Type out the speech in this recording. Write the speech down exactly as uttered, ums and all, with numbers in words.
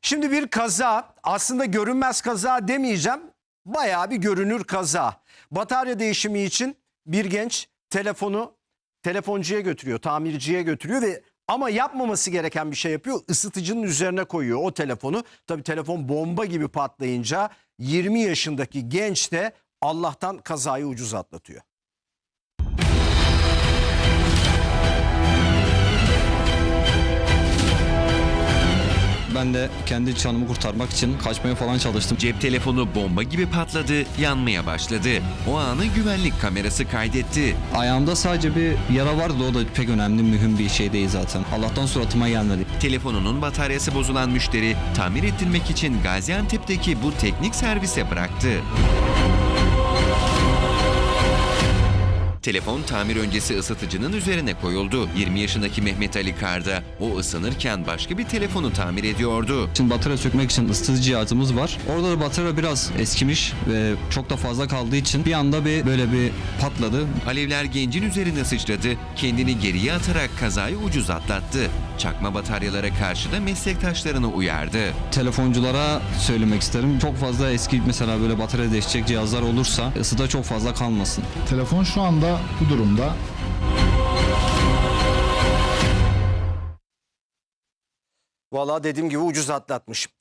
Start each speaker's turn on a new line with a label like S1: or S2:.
S1: Şimdi bir kaza, aslında görünmez kaza demeyeceğim. Bayağı bir görünür kaza. Batarya değişimi için bir genç telefonu telefoncuya götürüyor, tamirciye götürüyor ve ama yapmaması gereken bir şey yapıyor. Isıtıcının üzerine koyuyor o telefonu. Tabii telefon bomba gibi patlayınca yirmi yaşındaki genç de Allah'tan kazayı ucuz atlatıyor.
S2: Ben de kendi canımı kurtarmak için kaçmaya falan çalıştım.
S3: Cep telefonu bomba gibi patladı, yanmaya başladı. O anı güvenlik kamerası kaydetti.
S2: Ayağımda sadece bir yara vardı, o da pek önemli, mühim bir şey değil zaten. Allah'tan suratıma gelmedi.
S3: Telefonunun bataryası bozulan müşteri tamir ettirmek için Gaziantep'teki bu teknik servise bıraktı. Telefon tamir öncesi ısıtıcının üzerine koyuldu. yirmi yaşındaki Mehmet Ali Karda o ısınırken başka bir telefonu tamir ediyordu.
S2: Şimdi batarya sökmek için ısıtıcı cihazımız var. Orada da batarya biraz eskimiş ve çok da fazla kaldığı için bir anda bir böyle bir patladı.
S3: Alevler gencin üzerine sıçradı, kendini geriye atarak kazayı ucuz atlattı. Çakma bataryalara karşı da meslektaşlarını uyardı.
S2: Telefonculara söylemek isterim. Çok fazla eski mesela böyle batarya değişecek cihazlar olursa ısıda çok fazla kalmasın.
S4: Telefon şu anda bu durumda.
S1: Vallahi dediğim gibi ucuz atlatmış.